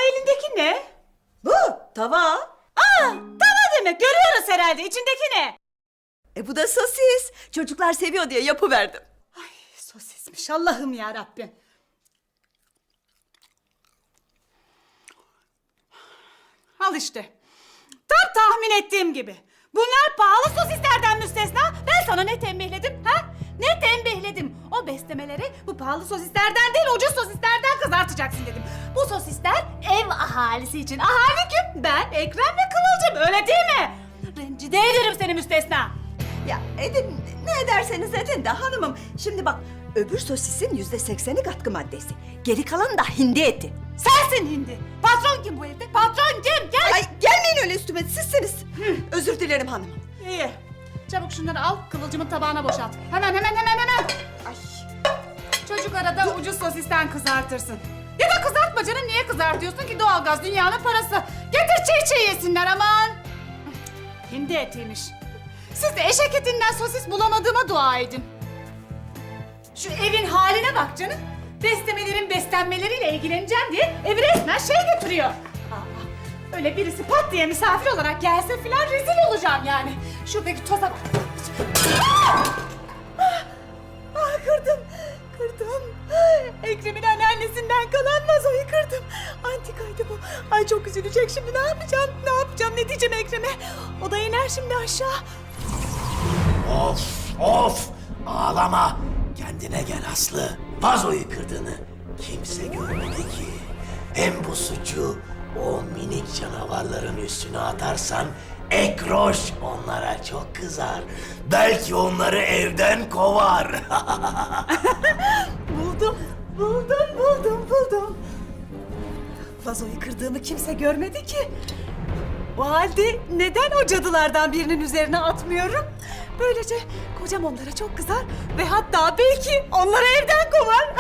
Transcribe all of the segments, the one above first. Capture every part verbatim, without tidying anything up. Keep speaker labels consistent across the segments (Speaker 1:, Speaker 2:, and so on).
Speaker 1: elindeki ne?
Speaker 2: Bu tava.
Speaker 1: Aa, tava demek. Görüyoruz herhalde. İçindeki ne?
Speaker 2: E bu da sosis. Çocuklar seviyor diye yapıverdim.
Speaker 1: Ay, sosismiş. Allah'ım ya Rabbim. Al işte. Tam tahmin ettiğim gibi. Bunlar pahalı sosislerden müstesna. Ben sana ne tembihledim ha? Ne tembihledim? O beslemeleri bu pahalı sosislerden değil ucuz sosislerden kızartacaksın dedim. Bu sosisler ev ahalisi için. Ahali kim? Ben, Ekrem ve Kıvılcım. Öyle değil mi? Rencide ederim seni müstesna.
Speaker 2: Ya edin ne ederseniz edin de hanımım. Şimdi bak öbür sosisin yüzde sekseni katkı maddesi. Geri kalan da hindi eti.
Speaker 1: Sensin hindi. Patron kim bu evde? Patron kim? Gel.
Speaker 2: Ay gelmeyin öyle üstüme sizsiniz. Özür dilerim hanımım.
Speaker 1: İyi. Çabuk şunları al, Kıvılcım'ın tabağına boşalt. Hemen hemen hemen hemen.
Speaker 2: Ay.
Speaker 1: Çocuk arada ucuz sosisten kızartırsın. Ya da kızartma canım, niye kızartıyorsun ki? Doğalgaz dünyanın parası. Getir çiğ çiğ yesinler aman. Hindi etiymiş. Siz de eşek etinden sosis bulamadığıma dua edin. Şu evin haline bak canım. Beslemelerin beslenmeleriyle ilgileneceğim diye evi resmen şey götürüyor. Aa, öyle birisi pat diye misafir olarak gelse filan rezil olacağım yani. Şuradaki toza bak. Ah! Ah! Ah, kırdım, kırdım. Ekrem'in anneannesinden kalan vazoyu kırdım. Antikaydı bu. Ay çok üzülecek şimdi, ne yapacağım, ne yapacağım, ne diyeceğim Ekrem'e? O da iner şimdi aşağı.
Speaker 3: Of of ağlama. Kendine gel Aslı. Vazoyu kırdığını kimse görmedi ki. Hem bu suçu o minik canavarların üstüne atarsan Ekroş onlara çok kızar. Belki onları evden kovar.
Speaker 1: Buldum, buldum, buldum, buldum. Vazoyu kırdığımı kimse görmedi ki. O halde neden o cadılardan birinin üzerine atmıyorum? Böylece kocam onlara çok kızar ve hatta belki onları evden kovar.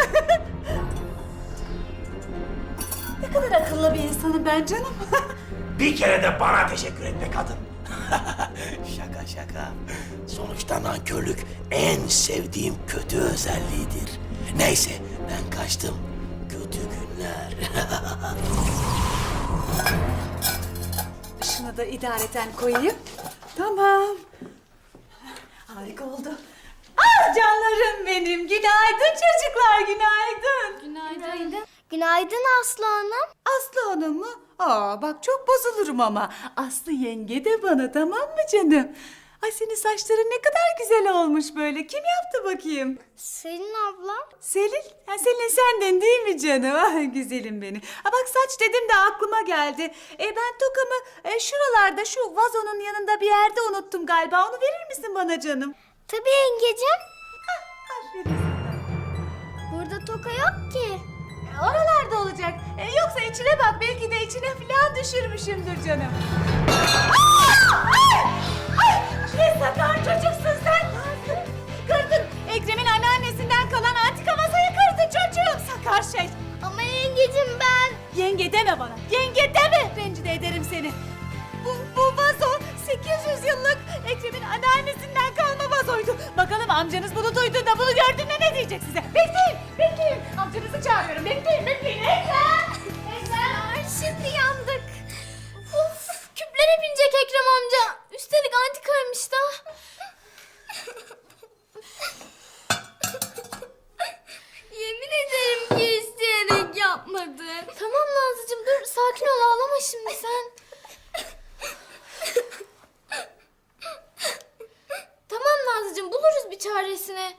Speaker 1: Ne kadar akıllı bir insanım ben canım.
Speaker 3: Bir kere de bana teşekkür et be kadın. Şaka şaka. Sonuçta nankörlük en sevdiğim kötü özelliğidir. Neyse ben kaçtım. Kötü günler.
Speaker 1: Şunu da idareten koyayım. Tamam. Harika oldu. Ah canlarım benim. Günaydın çocuklar, günaydın.
Speaker 4: Günaydın. Günaydın Aslı Hanım.
Speaker 1: Aslı Hanım mı? Aa bak çok bozulurum ama. Aslı yenge de bana, tamam mı canım? Ay senin saçların ne kadar güzel olmuş böyle. Kim yaptı bakayım?
Speaker 4: Selin ablam.
Speaker 1: Selin? Ha, Selin senden değil mi canım? Ah güzelim benim. Ha bak saç dedim de aklıma geldi. E ben tokamı e, şuralarda şu vazonun yanında bir yerde unuttum galiba. Onu verir misin bana canım?
Speaker 4: Tabii yengecim.
Speaker 1: Aferin sana.
Speaker 4: Burada toka yok ki.
Speaker 1: E, Oralarda olacak. E, yoksa içine bak, belki de içine falan düşürmüşümdür canım. Aa! Ay! Ay! Ne sakar çocuksun sen. Kırdın. Ekrem'in anneannesinden kalan antika masayı kırdın çocuğum. Sakar şey.
Speaker 4: Ama yengecim ben.
Speaker 1: Yenge deme bana. Yenge deme. Rencide ederim seni. Bu, bu vazo sekiz yüz yıllık Ekrem'in anneannesinden kalma vazoydu. Bakalım amcanız bunu duyduğunda, bunu gördüğünde ne diyecek size? Bekleyin, bekleyin. Amcanızı çağırıyorum. Bekleyin, bekleyin. Ekrem! Ekrem!
Speaker 4: Ay şimdi yandık. Of, küplere binecek Ekrem amca. Üstelik antikaymış da. Yemin ederim ki isteyerek yapmadı. Tamam Nazlıcığım dur sakin ol, ağlama şimdi sen. Tamam Nazlıcığım buluruz bir çaresini.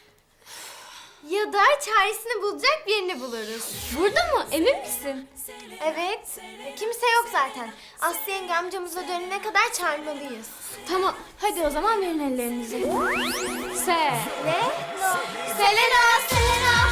Speaker 4: Ya da çaresini bulacak birini buluruz. Burada mı? Emin misin? Evet. Kimse yok zaten. Aslı yenge amcamıza dönene kadar çağırmalıyız. Tamam. Hadi o zaman verin ellerinizi. Se. Ne? Selena, Selena.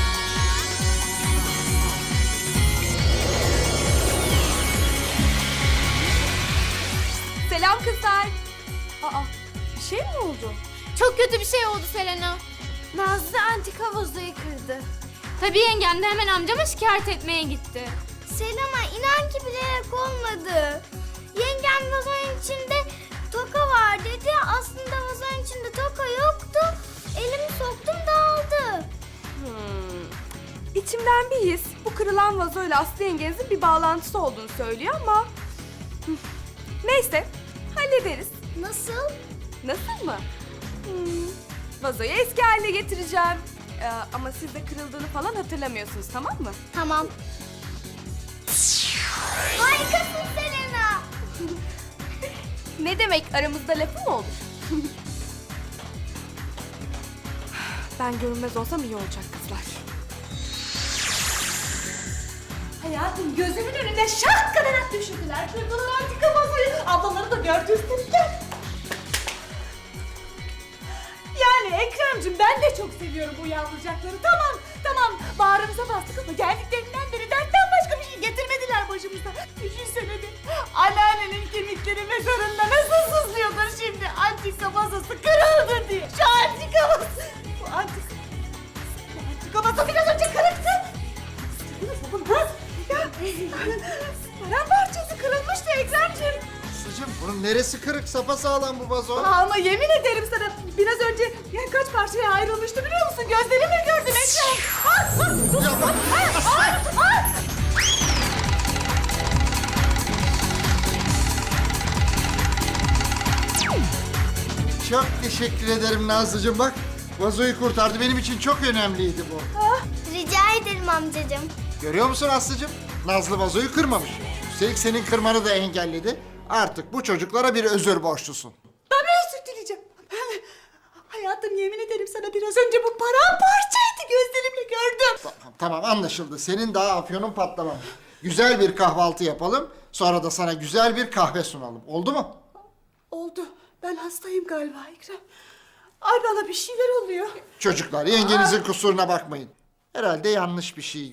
Speaker 1: Selam kızlar. Aa, bir şey mi oldu?
Speaker 4: Çok kötü bir şey oldu Selena. Nazlı antika vazoyu kırdı. Tabii yengem de hemen amcama şikayet etmeye gitti. Selena inan ki bilerek olmadı. Yengem vazonun içinde toka var dedi. Aslında vazonun içinde toka yoktu. Elimi soktum dağıldı.
Speaker 1: Hmm.
Speaker 5: içimden bir his bu kırılan vazoyla Aslı yengenizin bir bağlantısı olduğunu söylüyor ama... Hı, neyse, hallederiz.
Speaker 4: Nasıl?
Speaker 5: Nasıl mı? Hmm, vazoyu eski haline getireceğim. Ee, ama siz de kırıldığını falan hatırlamıyorsunuz, tamam mı?
Speaker 4: Tamam. Harikasın Selena.
Speaker 5: Ne demek, aramızda lafı mı olur? Ben görünmez olsam iyi olacak kızlar.
Speaker 1: Hayatım gözümün önünde şak kadar at düşürdüler. Kırdılar antika masayı. Ablaları da gördü üstelikler. Yani Ekrem'cim ben de çok seviyorum bu yavrucakları. Tamam tamam bağrımıza bastık ama geldiklerinden beri dertten başka bir şey getirmediler başımıza. Düşünsene bir anneannenin kemikleri mezarında nasıl sızlıyordur şimdi antika masası kırıldı diye. Şu antika masası. Bu antika, bu antika masa biraz önce kırıktı. Sıçradınız mı? Ha? Ya paramparçası kırılmıştı Ekrem'cim.
Speaker 6: Aslıcığım bunun neresi kırık? Sapasağlam bu vazo.
Speaker 1: Aa, ama yemin ederim sana biraz önce ya kaç parçaya ayrılmıştı biliyor musun? Gözlerimle gördüm Ekrem. Ah, ah, dur. Ah, ah, ah.
Speaker 6: Çok teşekkür ederim Nazlıcığım. Bak vazoyu kurtardı. Benim için çok önemliydi bu.
Speaker 4: Rica ederim amcacığım.
Speaker 6: Görüyor musun Aslıcığım? Nazlı vazoyu kırmamış. Üstelik senin kırmanı da engelledi. Artık bu çocuklara bir özür borçlusun.
Speaker 1: Tabii özür dileyeceğim. Ben, hayatım yemin ederim sana biraz önce bu paramparçaydı gözlerimle gördüm.
Speaker 6: Tamam, tamam anlaşıldı. Senin daha afyonun patlamamış. Güzel bir kahvaltı yapalım. Sonra da sana güzel bir kahve sunalım. Oldu mu?
Speaker 1: Oldu. Ben hastayım galiba Ekrem. Ay bana bir şeyler oluyor.
Speaker 6: Çocuklar yengenizin kusuruna bakmayın. Herhalde yanlış bir şey